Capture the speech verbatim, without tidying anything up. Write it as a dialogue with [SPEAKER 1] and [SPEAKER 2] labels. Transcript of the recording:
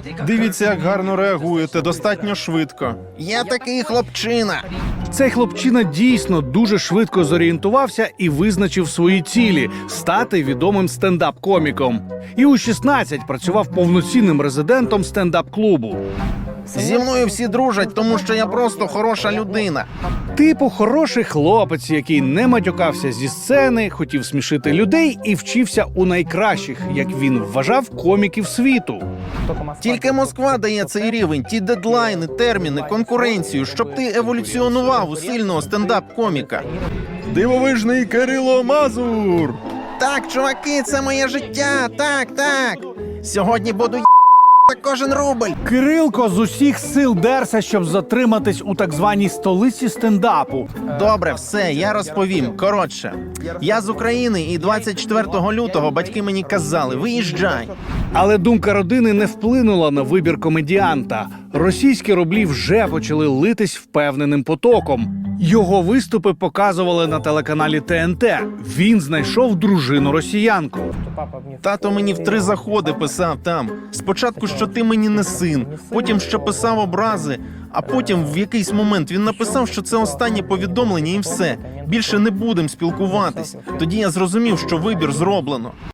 [SPEAKER 1] Дивіться, як гарно реагуєте, достатньо швидко.
[SPEAKER 2] Я такий хлопчина.
[SPEAKER 3] Цей хлопчина дійсно дуже швидко зорієнтувався і визначив свої цілі – стати відомим стендап-коміком. І у шістнадцять працював повноцінним резидентом стендап-клубу.
[SPEAKER 2] Зі мною всі дружать, тому що я просто хороша людина.
[SPEAKER 3] Типу хороший хлопець, який не матюкався зі сцени, хотів смішити людей і вчився у найкращих, як він вважав, коміків світу.
[SPEAKER 2] Тільки Москва дає цей рівень, ті дедлайни, терміни, конкуренцію, щоб ти еволюціонував у сильного стендап-коміка.
[SPEAKER 1] Дивовижний Кирило Мазур!
[SPEAKER 2] Так, чуваки, це моє життя, так, так. Сьогодні буду ї*** за кожен рубль.
[SPEAKER 3] Кирилко з усіх сил дерся, щоб затриматись у так званій столиці стендапу.
[SPEAKER 2] Добре, все, я розповім. Коротше, я з України, і двадцять четвертого лютого батьки мені казали: виїжджай.
[SPEAKER 3] Але думка родини не вплинула на вибір комедіанта. Російські рублі вже почали литись впевненим потоком. Його виступи показували на телеканалі Т Н Т. Він знайшов дружину-росіянку.
[SPEAKER 2] Тато мені в три заходи писав там. Спочатку, що ти мені не син, потім, що писав образи, а потім в якийсь момент він написав, що це останнє повідомлення і все. Більше не будемо спілкуватись. Тоді я зрозумів, що вибір зроблено.